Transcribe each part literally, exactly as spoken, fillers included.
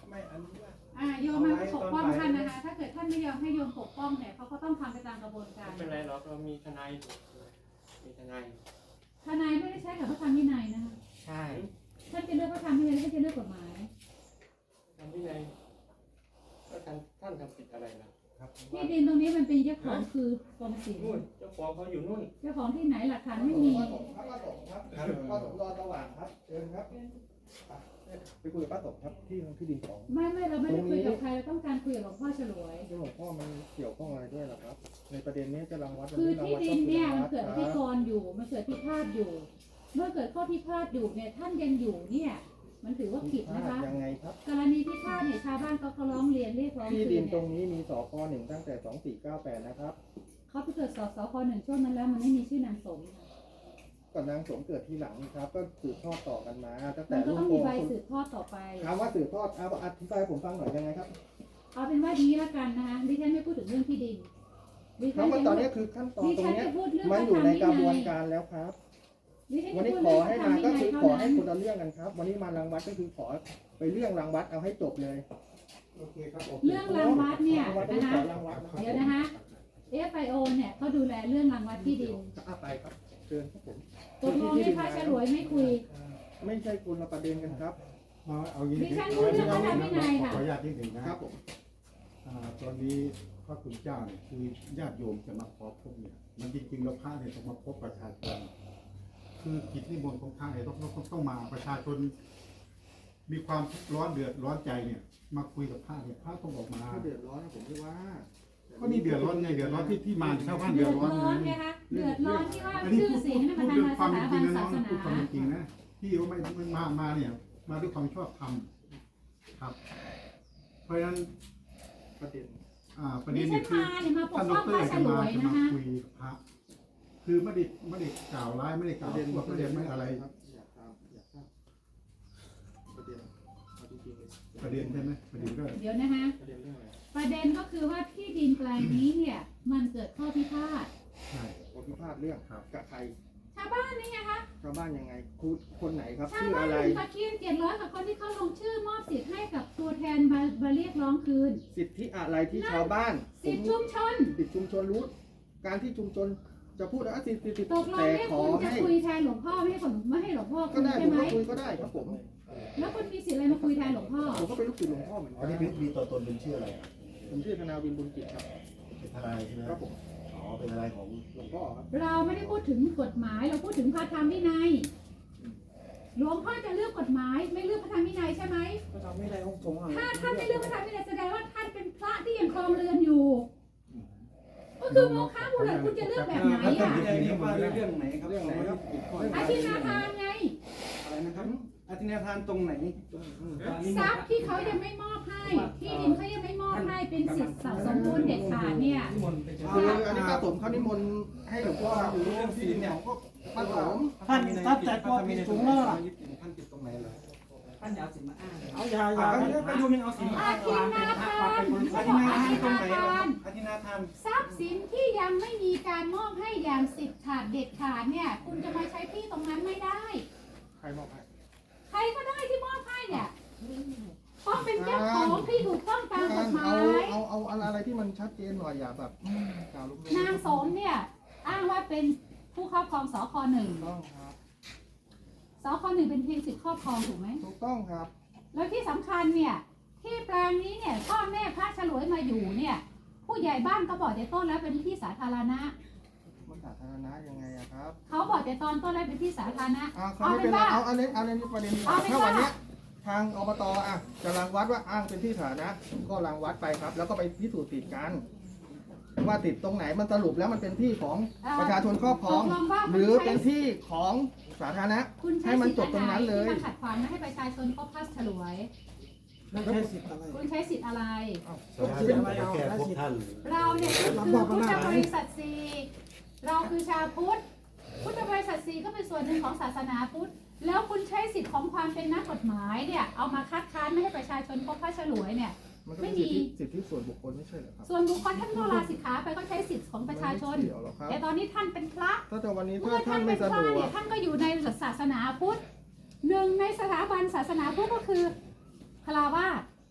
ไม่อนุญาตอ่าโยมมาปกป้องท่านนะคะถ้าเกิดท่านไม่ยอมให้โยมปกป้องเนี่ยเขาก็ต้องทำไปตามกระบวนการไม่เป็นไรหรอกเรามีทนายมีทนายทนายไม่ได้ใช้กับพระธรรมวินัยนะคะใช่ท่านจะเลือกพระธรรมวินัยท่านจะเลือกกฎหมายทำที่ไหนก็ท่านท่านทำผิดอะไรนะที่ดินตรงนี้มันเป็นเจ้าของคือกรมศิลป์นู่นเจ้าของเขาอยู่นู่นเจ้าของที่ไหนหลักฐานไม่มีป้าสมครับป้าสมครับป้าสมรอสว่างครับเชิญครับไปคุยกับป้าสมครับที่ที่ดินของไม่ไม่เราไม่ได้คุยกับใครเราต้องการคุยกับหลวงพ่อฉลวยหลวงพ่อมันเกี่ยวข้องอะไรด้วยหรอครับในประเด็นนี้จะรังวัดคือที่ดินเนี่ยมันเกิดพิกรอยู่มันเกิดพิพาทอยู่ เมื่อเกิดข้อพิพาทอยู่เนี่ยท่านยังอยู่เนี่ยมันถือว่าผิดนะคะยังไงครับกรณีพิพาทเนี่ยชาวบ้านเขาเขาร้องเรียนเรียกร้องที่คืดินนตรเนี่ยงนี้มีสคหนึ่งตั้งแต่สองสี่เก้าแปดนะครับเขาไปเกิดสสคหนึ่งช่วงนั้นแล้วมันไม่มีชื่อนางสมค่ะก่อนนางสมเกิดทีหลังครับ ก็สืบทอดต่อกันมาตั้งแต่มันก็รุ่ต้นองโกมีงใบสืบทอดต่อไปถามว่าสืบทอดเอาอธิบายผมฟังหน่อยยังไงครับเอาเป็นว่าดีละกันนะคะดิฉันไม่พูดถึงเรื่องที่ดินดิเพฉันราะว่าจะตอนพูนี้ดคือขั้นตอนดิตรงฉันนี้จะพูดเรื่องมันอยู่ในกระบวนการแล้วครับดิฉันวันจะนี้พูดขเรื่อองให้พระธรรมามวิก็นัยคือเท่าขอให้นั้นคนละเรื่องกันครับ วันนี้มารังวัดก็คือขอไปเรื่องรังวัดเอาให้จบเลยโอเคครับเรื่องรังวัดเนี่ยวัดต้องนะขคะอรังวัดนะเดี๋ยวนะคะ เอฟ ไอ โอ เนี่ยเขาดูแลเรื่องรังวัดที่ดินอ่ะไปครับเชิญครับผมตกลงในพระฉลวยไม่คุยไม่ใช่คนละประเด็นกันครับมาเอาอย่างดิฉันพูดเรื่องพระธรรมวินัยค่ะขออนุญาตนิดหนึ่งนะครับผมอ่าตอนนี้พระคุณเจ้าเนี่ยคือญาติโยมจะมาขอพบเนี่ยมันจริงๆแล้วพระเนี่ยต้องมาพบประชาชนคือกิจนิมนต์ของพระเนี่ยต้องต้องต้องมาประชาชน มีความทุกข์ร้อนเดือดร้อนใจเนี่ย มาคุยกับพระเนี่ยพระต้องออกมาถ้าเดือดร้อนนะผมไม่ว่าก็นี่เดือดร้อนไงเดือดร้อนที่ที่มาชาวบ้านเดืเดืออดดร้อนร้อนไงไงคะเดือดร้อนที่ว่าอันนี้ชื่อพูดเสียงนี่มันพูดทางด้วยทางความสเป็นถาจริงบันนะน้องศาสพูดความเป็นจริงนะนาที่ว่าไม่ไม่มามาเนี่ย มาด้วยความชอบธรรมครับ เพราะฉะนั้นประเด็นอ่าประดิเด็นฉันี้นคือมาเนี่ยมาปกท่านดป้องพรระฉจะลมาวยจะนะมาคะคุยกับพระคือไม่ได้ไม่ได้กล่าวร้ายไม่ได้กปล่าวระเด็นพวกไม่ได้ไม่อะไรครับอยากทราบอยากทราบประเด็นเอาจริงๆเลยประเด็นใช่ไหมประเด็นก็เดี๋ยวนะคะประเด็นเรื่องอะไรประเด็นก็คือว่าที่ดินแปลงนี้เนี่ยมันเกิดข้อพิพาทใช่ผมพิพาทเรื่องครับกับใครชาวบ้านนี่ไงคะชาวบ้านยังไงคุณคนไหนครับชาวชื่อบ้านอะไรหนึ่งตะเคียนเจ็ดร้อยกับคนที่เขาลงชื่อมอบสิทธิ์ให้กับตัวแทนมามาเรียกร้องคืนสิทธิอะไรที่ชาวบ้านสิทธิชุมชนสิทธิชุมชนรู้ การที่ชุมชนจะพูดว่าสิทธิสิทธิตกลงแต่เนี่ยขอคุณจะให้คุยแทนหลวงพ่อไม่ให้ผมไม่ให้หลวงพ่อก็คุยได้ผใช่มไหมก็คุยก็ได้ครับผมแล้วคุณมีสิทธิ์อะไรมาคุยแทนหลวงพ่อผมก็เป็นลูกศิษย์หลวงพ่อเหมือนอ๋อกันนี่มีตัวตนเป็นชื่ออะไรอ่ะผมชื่อธนาวินบุญกิจครับเป็นทนายใช่ไหมครับผมอ๋อ เป็นอะไรของหลวงพ่อครับเราไม่ได้พูดถึงกฎหมายเราพูดถึงพระธรรมวินัยหลวงพ่อจะเลือกกฎหมายไม่เลือกพระธรรมวินัยใช่ไหมก็ทำไม่ได้ของผมถ้าท่านไม่เลือกพระธรรมวินัยแสดงว่าท่านเป็นพระที่ยังครองเรือนอยู่ ก็คือโมฆะบุรุษคุณจะเลือกแบบไหนอ่ะนี่ว่าเรื่องไหนครับเรื่องไหนครับอาทินาทานไงอะไรนะครับอธินาทานตรงไหนทรัพย์ที่เขายังไม่มอบให้ ที่ดินเขายังไม่มอบให้เป็นสิทธิ์สมบูรณ์เด็ดขาดเนี่ยคืออันนี้ป้าสมเขานิมนต์ให้หลวงพ่ออยู่เรื่องที่ดินของก็ป้าสมท่านตัดใจก็ผิดสูงแล้วท่านผิดตรงไหนเลยท่านจะเอาสินมาอ้างเอาอย่าอย่าไปดูมันเอาสินอาทินาทานเขาอบอกธิอานาทิทานตรงไหนนาทานอธินาทานทรัพย์สินที่ยังไม่มีการมอบให้อย่างสิทธิ์ขาดเด็ดขาดเนี่ย คุณจะมาใช้ที่ตรงนั้นไม่ได้ใครมอบให้ใครก็ได้ที่มอบให้เนี่ยต้องเป็นเจ้าของที่ถูกต้องตามกฎหมาเอายเอาเอาอะไรที่มันชัดเจนหน่อยอย่าแบบกล่าวลุกนางสมเนี่ยอ้างว่าเป็นผู้ครอบครองสคหนึ่งต้องครับสคหนึ่งเป็นเพียงสิทธิครอบครองถูกไหมถูกต้องครับแล้วที่สำคัญเนี่ยที่แปลงนี้เนี่ยพ่อแม่พระฉลวยมาอยู่เนี่ย ผู้ใหญ่บ้านก็บอกแต่ต้นแล้วเป็นที่สาธารณะมันสาธารณะยังไงอะครับเขาบอกแต่ตอนต้นแล้วเป็นที่สาธารณะอ่าเขาไม่เป็นไรเอาอันนี้เอาอันนี้ประเด็นนี้เอาเป็นถ้าว่าวันเนี้ยทางอบตอ่ะจะรังวัดว่าอ้างเป็นที่สาธารณะก็รังวัดไปครับ แล้วก็ไปพิสูจน์ติดกัน ว่าติดตรงไหนมันสรุปแล้วมันเป็นที่ของประชาชนครอบครองตกลงว่าหรือเป็นที่ของสาธารณะคุณใช้ให้มันสิทจธิ์บตรงนั้นเลยที่มาขัดขวางไม่ให้ประชาชนพบพระฉลวยไม่ใช่สิทธิ์อะไรคุณใช้สิทธิ์อะไรสถาบันมาแค่พบท่านเราเนี่ยคือพุทธบริษัทสีเราคือชาวพุทธ พุทธบริษัทสีก็เป็นส่วนหนึ่งของศาสนาพุทธ แล้วคุณใช้สิทธิ์ของความเป็นนักกฎหมายเนี่ยเอามาคัดค้านไม่ให้ประชาชนพบพระฉลวยเนี่ยมันก็เป็นสิทธิสิทธิส่วนบุคคลไม่ใช่เหรอครับส่วนบุคคลท่านก็ลาสิกขาไปก็ใช้สิทธิ์ของประชาชนไม่เกี่ยวหรอกครับแต่ตอนนี้ท่านเป็นพระถ้าแต่วันนี้เมื่ถ้าอท่าท่าน นไม่เป็นสะพดระวเนี่กยท่านก็อยู่ในศาสนาพุทธหนึ่งในสถาบันศาสนาพุทธก็คือคารวาส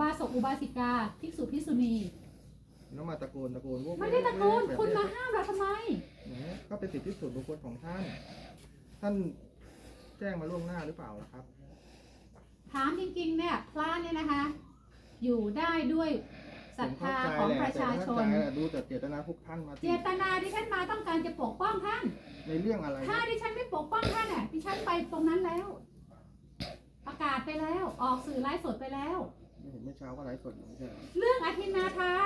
สกอุบาสิกาภิกษุภิกษุณีแล้วมาตะโกนตะโกนพวกไม่ได้ตะโกนแบบคุณมาห้ามเราทำไมเนี่ยก็เป็นสิทธิส่วนบุคคลของท่าน ท่านแจ้งมาล่วงหน้าหรือเปล่าล่ะครับถามจริงๆเนี่ยพระเนี่ยนะคะ อยู่ได้ด้วยศรัทธาของประชาชนผมเข้าใจแหละดูแต่เจตนาพวกท่านมาเจตนาที่ฉันมาต้องการจะปกป้องท่านในเรื่องอะไรถ้าดิฉันไม่ปกป้องท่านน่ะดิฉันไปตรงนั้นแล้ว ประกาศไปแล้ว ออกสื่อไลฟ์สดไปแล้วไม่เห็นเมื่อเช้าก็ไลฟ์สดอยู่ไม่ใช่เหรอเรื่องอธินาทาน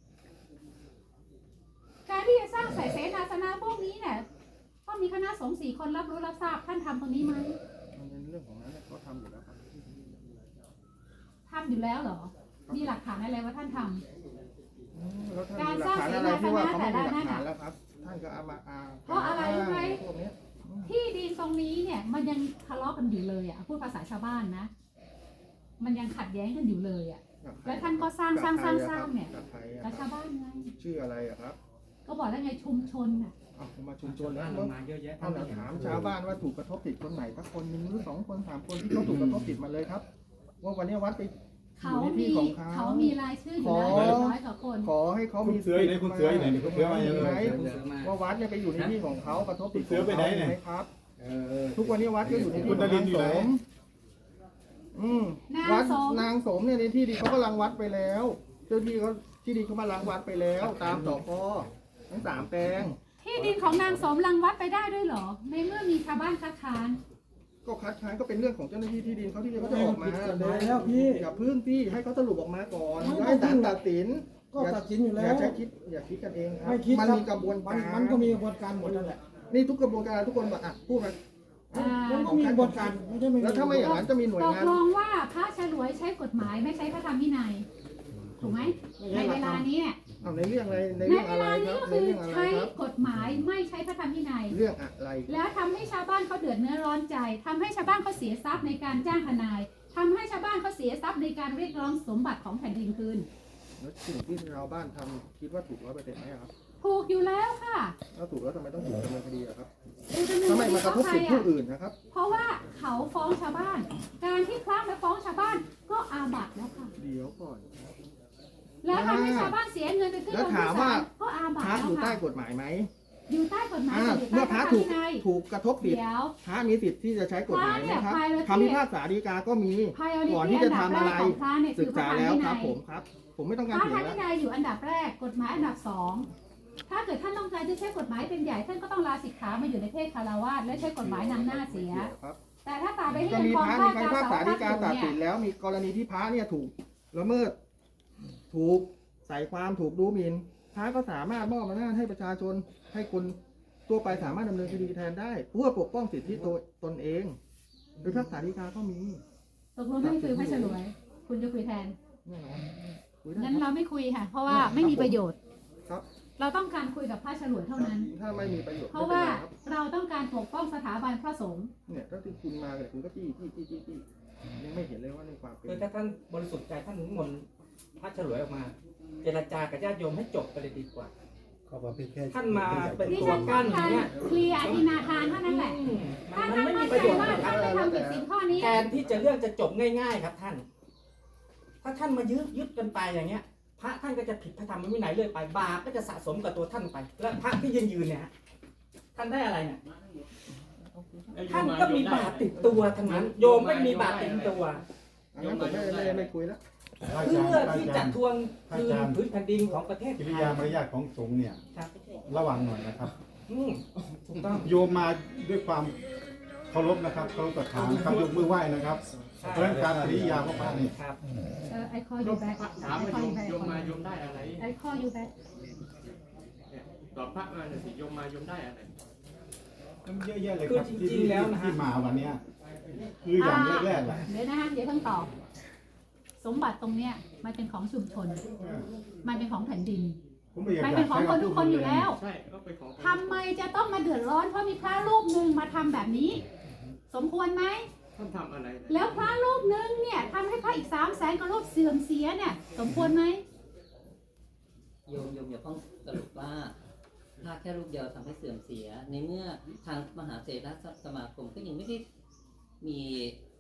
การที่จะสร้างสายเสนาสนะพวกนี้เนี่ยต้องมีคณะสงฆ์สี่คนรับรู้รับทราบท่านทำตรงนี้ไหมมันเป็นเรื่องของนั้นเนี่ยเขาทำอยู่แล้วครับทำอยู่แล้วเหรอ มีหลักฐานอะไรว่าท่านทำอืมแล้วท่านมีหลักฐานอะไรที่ว่าเขาไม่มีหลักฐานแล้วครับ ท่านก็เอามาอ้างเพราะอะไรรู้ไหมพวกเนี้ยที่ดินตรงนี้เนี่ย มันยังทะเลาะกันอยู่เลยอ่ะพูดภาษาชาวบ้านนะ มันยังขัดแย้งกันอยู่เลยอ่ะกับใครแล้วท่านก็สร้างสร้างสร้างสร้างเนี่ยกับใครอะกับคชารับวบ้านไงชื่ออะไรอะครับก็บอกแล้วไงชุมชนน่ะเอามาชุมชนบ้าแล้วนเรามาเยอะแยะเอาหน่อยถามชาวบ้านว่าถูกกระทบติดคนไหนสักคนหนึ่งหรือสองคนสามคนที่เขาถูกกระทบติดมาเลยครับ ว่าวันนี้วัดไปอเขายู่ในมีที่ของเขาเขามีรายชื่ออยู่แล้วขออย่างน้อยกว่าคนขอให้เขาคุมีณเสืออยู่ไหนคุณเสืออยู่ไหนเนี่ยคุณเสือมายังไงว่าวัดเนี่ยไปอยู่ในที่ของเขากระทบติดคุณเสือไปไหนเนี่ยมครับเออทุกวันนี้วัดก็อยู่ในที่คุณของดารินาน งอยู่สไหนมอืมนางวัดสมนางสมเนี่ยในที่ดินเขาก็รังวัดไปแล้ว เจ้าที่เขาที่ดินเขามารังวัดไปแล้ว ตามสกทั้งสามแปลงที่ดินของนางสมรังวัดไปได้ด้วยเหรอ ในเมื่อมีชาวบ้านคัดค้านก็คัดค้านก็เป็นเรื่องของเจ้าหน้าที่ที่ดินเขาที่เขาจะออกมาแล้วพี่อย่าพึ่งพี่ให้เขาสรุปออกมาก่อนไม่ให้ศาลต้องตัดสินก็ตัดสินอยู่แล้อย่าว ใช้คิดอย่าคิดกันเองครับไม่คิดมันครับมีกระบวนมันการมันก็มีกระบวนการหมดนั่นแหละนี่ทุกกระบวนการทุกคนบอกอ่ะพูดมาอ่ามันก็มีกระบวนการไม่ใช่ไม่มีแล้วถ้าไม่อย่างนั้นจะมีหน่วยตกงานลงว่าพระฉลวยใช้กฎหมายไม่ใช้พระธรรมวินัย ถูกไหม ในเวลานี้เนี่ยเอาในเรื่องอะไรในในเรื่องเวอะไรลาคนี้รับก็ในคือเรื่องอะไรใช้ครับกฎหมายไม่ใช้พระธรรมวินัยเรื่องอะไรแล้วทำให้ชาวบ้านเขาเดือดเนื้อร้อนใจทำให้ชาวบ้านเขาเสียทรัพย์ในการจ้างทนายทำให้ชาวบ้านเขาเสียทรัพย์ในการเรียกร้องสมบัติของแผ่นดินคืนแล้วสิ่งที่ชาวบ้านทำคิดว่าถูกร้อยเปอร์เซ็นต์ไหมครับถูกอยู่แล้วค่ะถ้าถูกแล้วทำไมต้องถูกดำเนินคดีอะครับดูจำนวนทำไมมากระทบสิทธิผู้อ่ะอื่นนะครับเพราะว่าเขาฟ้องชาวบ้าน การที่พระมาฟ้องชาวบ้านก็อาบัติแล้วค่ะเดี๋ยวก่อนแล้วทำให้ชาวบ้านเสียเงินไปขึ้นแล้วโรงถามว่าก็อาบัพติระแล้วอยู่ใต้ค่ะกฎหมายไหมอยู่ใต้กฎหมายอ่าอยู่ใต้เมื่อพพระระธรรมถูกวินัยถูกกระทบสิทธิ์เดี๋ยวพระมีสิทธิ์ที่จะใช้กฎหมายไหมครับพระเนี่ยคำพิพากษาฎีกาก็มี priority ก่อนที่จะทำอะไรอันดับแรกของพระเนี่ยศึคืกอพระษาธรรมแล้ววิคนัรับยผมครับ ผมไม่ต้องพการระเถีธรยรง มแล้ววินัยอยู่อันดับแรก กฎหมายอันดับสองถ้าเกิดท่านต้องการจะใช้กฎหมายเป็นใหญ่ท่านก็ต้องลาสิกขามาอยู่ในเพศคารวาสและใช้กฎหมายนำหน้าเสียครับแต่ถ้าตราบใดที่ก็ยังมีครองพระข้อมีคำพิพากษาฎีกาตัดสินเนี่ยแล้วมีกรณีที่พระเนี่ยถูกละเมิด ถูกใส่ความถูกดูหมิ่นพระก็สามารถมอบอำนาจให้ประชาชนให้คนทั่วไปสามารถดำเนินคดีแทนได้เพื่อปกป้องสิทธิตัวตนเองโดยพิพากษาฎีกาก็มีตกลงไม่คุยพระฉลวย คุณจะคุยแทนแน่นอนคุยได้งั้นครับเราไม่คุยค่ะ เพราะว่าไม่มีประโยชน์ครับเราต้องการคุยกับพระฉลวยเท่านั้นถ้าไม่มีประโยชน์เพราะไม่ว่าเป็นไรครับเราต้องการปกป้องสถาบันพระสงฆ์เนี่ยถ้าที่คุณมาเนี่ยคุณก็จี้จี้จี้จี้จี้ยังไม่เห็นเลยว่าในความเป็นคือถ้าท่านบริสุทธิ์ใจท่านนิมนต์พระฉลวยออกมา เจรจากับญาติโยมให้จบไปเลยดีกว่าเขาบอกเป็นแค่ท่านมาเป็นดิตัวฉันต้กั้อน งอย่าการงเงี้ยเคลียร์อธินาทานเท่านั้นแหละอืมมัถ้านมันท่านไม่มั่มีนประใจโยชน์ว่านะครับท่านไม่ทำผิดสิ่งข้อนี้แทนที่จะเรื่องจะจบง่ายๆครับท่าน ถ้าท่านมายึดยึดกันไปอย่างเงี้ย พระท่านก็จะผิดพระธรรมวินัยเรื่อยไป บาปก็จะสะสมกับตัวท่านไป แล้วพระที่ยืนยืนๆเนี่ยฮะท่านได้อะไรเนี่ย ท่านก็มีบาปติดตัวทั้งนั้น โยมไม่มีบาปติดตัวอันนั้นผมไม่ไม่ไม่คุยแล้วพระอาเพื่จารย์อพระที่อาจะจารย์ทวงคืนพื้นแผ่นดินของประเทศกิไทริยยามารยาทของสงฆ์เนี่ยครับระวังหน่อยนะครับอืมถูกต้องโยมมาด้วยความเคารพนะครับเคารพศรัทธานะครับยกมือไหว้นะครับเพราะฉะนั้นการอริยาของพระนี่ครับเออ I call you back ถาม I ว่า call โย you ม back โยมมาโยมได้อะไร I call you back เนี่ยตอบพระมาหน่อยสิโยมมาโยมได้อะไรมันเยอะแยะเลยคือครับจที่ริงๆแล้วนะฮะที่มาวันเนี้ยคืออย่างแรกๆแหละเดี๋ยวนะคะเดี๋ยวเพิ่งตอบ สมบัติตรงเนี้ยมันเป็นของชุมชน มันเป็นของแผ่นดินผมไม่อยากมันเป็นของคนทุกคนอยู่แล้วใช่ก็เป็นของทำไมจะต้องมาเดือดร้อนเพราะมีพระรูปหนึ่งมาทำแบบนี้ สมควรไหมท่านทำอะไรนะแล้วพระรูปหนึ่งเนี่ยทำให้พระอีกสามแสนกว่ารูปเสื่อมเสียเนี่ย สมควรไหมโยมโยมอย่าเพิ่งสรุปว่าถ้าแค่รูปเดียวทำให้เสื่อมเสีย ในเมื่อทางมหาเถรสมาคมก็ยังไม่ได้มี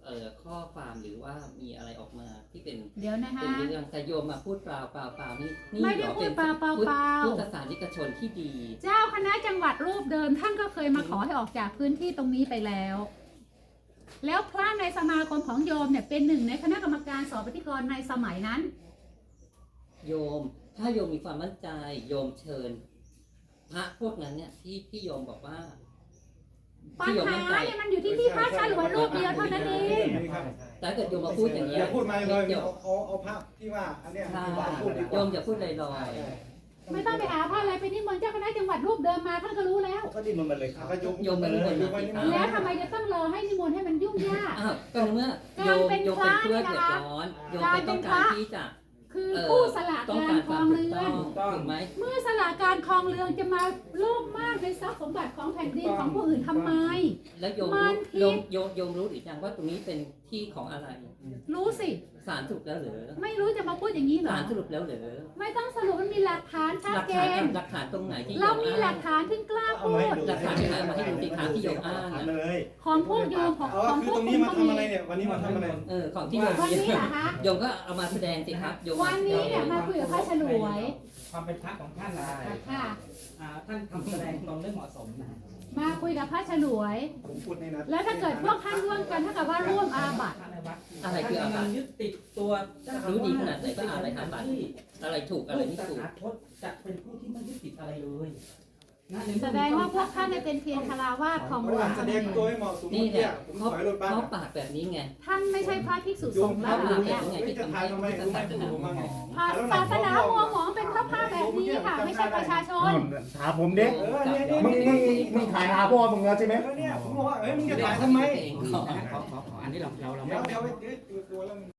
เอ่อข้อความหรือว่ามีอะไรออกมาที่เป็นเดี๋ยวนะคะเป็นเรื่องแต่โยมมาพูดเปล่าเปล่าเปล่านี่นี่ไม่ได้หรอพูดนเปล่าเปล่าพุทธเปล่าพุทธศาสนิกชนที่ดีเจ้าคณะจังหวัดรูปเดิมท่านก็เคยมาขอให้ออกจากพื้นที่ตรงนี้ไปแล้ว แล้วพระในสมาคมของโยมเนี่ยเป็นหนึ่งในคณะกรรมการสอบปฏิกรในสมัยนั้นโยม ถ้าโยมมีความมั่นใจโยมเชิญ พระพวกนั้นเนี่ยที่ที่โยมบอกว่าปัญที่โยมหามั่นใจเนี่ยมันอยู่ที่ที่พระฉลวยรูปเดียวเท่านั้นเองแต่ถ้าเกิดโยมมาพูดอย่างนี้อย่าพูดมาเลยเดี๋ยวเอาเอาเอาภาพที่ว่าอันเนี้ยใช่ที่ว่าพูดดีกโยว่ามอย่าพูดลอยไม่ต้องไปหาพระอะไรไปนิมนต์เจ้าคณะจังหวัดรูปเดิมมาท่านก็รู้แล้วก็ดิ้นมันมาเลยครับก็ยกโยมมันเป็นคนยกไว้นี่อ่าแล้วทำไมจะต้องรอให้นิมนต์ให้มันยุ่งยากๆอ้าวก็ในเมื่อโยมโยมเป็นเพื่อนเดือดร้อนโยมเป็นต้องการที่จะคือเอ่อผู้สละต้องการการคครวาอมงถูกเรืต้ออน งถูกไหมเมื่อสละการครองเรือนจะมาโลภมากในทรัพย์สมบัติของแผ่นดินของผู้อื่นทำไมแล้วโยมมัรู้นผิดโยมโยมโยมรู้หรือยังว่าตรงนี้เป็นที่ของอะไรรู้สิศาลสรุปแล้วเหรือไม่รู้จะมาพูดอย่างนี้เหรอศาลสรุปแล้วเหรือไม่ต้องสรุปมันมีหลักฐานชัดหลักเจฐานนหลักฐานตรงไหนที่โยเรามมีอ้างหลักฐานที่กล้าพูดหลักฐานที่ไหนมาให้ดูสิครับที่โยมอ้างถามอะเลยของพวกโยมของเอาของคือพวตกรงคุนี้ณมาก็ทำมีอะไรเนี่ย วันนี้มาทำอะไรเออของที่โยมวันมีนี้เหรอคะโยมก็เอามาแสดงสิครับโยมวันนี้เนี่ยมาคุยกับพระฉลวยความเป็นพระของท่านนะค่ะอ่าท่านทำแสดงตรงเรื่องเหมาะสมนะมาคุยกับพระฉลวยผมพูดนี่นะแล้วถ้าเกิดพวกท่านร่วมกันเท่ากับว่าร่วมอาบัติพระในวัดอะไรคืออาบัติท่านกำลังยึดติดตัวเจ้าอวสรู้ดีขนาดไหนก็อ่านอะไรอาบัติที่อะไรถูกอะไรลูกไม่ตถูกถาคตจะเป็นผู้ที่ไม่ยึดติดอะไรเลยนะในเมื่อแสดงว่าพวกท่านเนี่ยเป็นเพียงคาราวาสของเพหลราะวว่าง แสดงตัวให้เหมาะสมนี่เมื่อกี้เนี่ยผมเขาถอยรถบัสเขาปากแบบนี้ไงท่านไม่ใช่พระภิกษุโยสมงฆ์คแล้รับวรู้เนี่ยไงจะถ่ายทำไมรู้ไหมผมมาไงศาสนาหัวหมองเป็นพระพาแบบนี้ค่ะ ไม่ใช่ประชาชนถามผมเด็กเออเนี่ยเนี่ยมึงมึงมึงถ่ายหาพ่อมึงแล้วใช่ไหมเออเนี่ยผมบอกว่าเอ้ยมึงจะถ่ายทำไมเองขอขอขอขออันนี้เราเราเราเดี๋ไม่ยวเดี๋ยวเดี๋ยวตัวแล้ว